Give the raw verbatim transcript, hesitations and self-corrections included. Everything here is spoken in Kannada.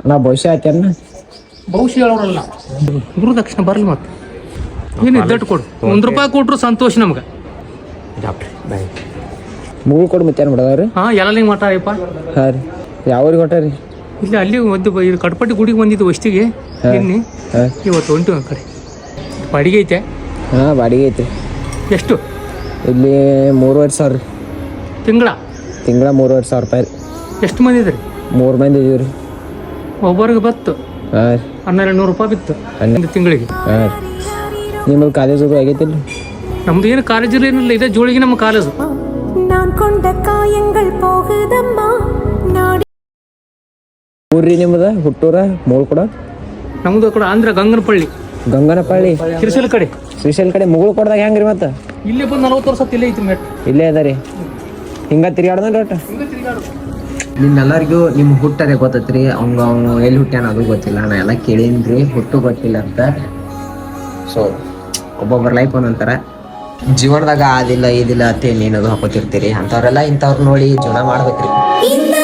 ನಾ ಭವಿಷ್ಯ ಆಯ್ತೇನ ಭವಿಷ್ಯ ಹೇಳೋರಲ್ಲ ಗುರುದಕ್ಷಿಣ ಬರಲಿ ಮತ್ತೆ ಏನು ಇದ್ದಟ್ಟು ಕೊಡು ಒಂದು ರೂಪಾಯಿ ಕೊಟ್ರು ಸಂತೋಷ ನಮ್ಗೆ ಡಾಕ್ಟ್ರಿ ಬಾಯ್ ಮುಗುಳು ಕೊಡು ಮತ್ತೆ ಏನು ಮಾಡೋದ್ರಿ ಹಾಂ ಎಲ್ಲ ಮಠ ಅಯ್ಯಪ್ಪ ಹಾಂ ರೀ ಯಾವ್ರಿಗೆ ಹೊಟ್ಟಾರಿ ಇಲ್ಲಿ ಅಲ್ಲಿ ಒಂದು ಇದು ಕಟ್ಪಟ್ಟಿ ಗುಡಿಗೆ ಬಂದಿದ್ದು ವಸ್ತಿಗೆ ನಿನ್ನೆ ಇವತ್ತು ಉಂಟು ಆ ಕಡೆ ಬಾಡಿಗೆ ಐತೆ ಹಾಂ ಬಾಡಿಗೆ ಐತಿ ಎಷ್ಟು ಇಲ್ಲಿ ಮೂರುವರೆ ಸಾವಿರ ರೀ ತಿಂಗಳ ತಿಂಗಳ ಮೂರುವರೆ ಸಾವಿರ ರೂಪಾಯಿ ರೀ ಎಷ್ಟು ಮಂದಿ ಇದ್ರಿ ಮೂರು ಮಂದಿ ಇದೀವಿ ರೀ ಒಬ್ಬರಿಗೆ ಬತ್ತು ಹಾಂ ರೀ ಹನ್ನೆರಡು ನೂರು ರೂಪಾಯಿ ಬಿತ್ತು ಹನ್ನೊಂದು ತಿಂಗಳಿಗೆ ಹಾಂ ರೀ ನಿಮ್ಮದು ಕಾಲೇಜ್ ಅದು ಆಗೈತಿಲ್ಲ ನಮ್ದು ಏನು ಕಾಲೇಜಲ್ಲಿ ಏನಿಲ್ಲ ಇದೆ ಜೋಳಿಗೆ ನಮ್ಮ ಕಾಲೇಜು ಊರ್ರಿ ನಿಮ್ಮದ ಹುಟ್ಟೂರ ಮೂರು ಕೂಡ ನಮ್ದು ಆ ಕಡೆ ಆಂಧ್ರ ಗಂಗನಪಳ್ಳಿ ಗಂಗನಪಳ್ಳಿ ಕಿರಿಸಲ್ ಕಡೆ ಶ್ರೀಶೈಲ್ ಕಡೆ ಮುಗುಳು ಕೊಡ್ದಾಗ ಹೆಂಗ್ರಿ ಮತ್ತೆ ಇಲ್ಲೇ ಬಂದು ನಲವತ್ತು ವರ್ಷ ಇಲ್ಲೇ ಐತಿ ಮೆಟ್ ಇಲ್ಲೇ ಅದ ರೀ ಹಿಂಗ ತಿರ್ಗಾಡ್ದನ್ರಿ ಒಟ್ಟು ನಿಮ್ಮೆಲ್ಲರಿಗೂ ನಿಮ್ಮ ಹುಟ್ಟರೆ ಗೊತ್ತೈತ್ರಿ ಅವಂಗ ಅವನು ಎಲ್ಲಿ ಹುಟ್ಟ್ಯಾನ ಅದು ಗೊತ್ತಿಲ್ಲ ನಾ ಎಲ್ಲ ಕೇಳೀನ್ರಿ ಹುಟ್ಟು ಗೊತ್ತಿಲ್ಲ ಅಂತ ಸೊ ಒಬ್ಬೊಬ್ಬರ ಲೈಫ್ ಒಂದೊಂಥರ ಜೀವನದಾಗ ಆದಿಲ್ಲ ಇದಿಲ್ಲ ಅಂತ ಏನೇನದು ಹಾಕೋತಿರ್ತೀರಿ ಅಂಥವ್ರೆಲ್ಲ ಇಂಥವ್ರು ನೋಡಿ ಜೀವನ ಮಾಡ್ಬೇಕ್ರಿ.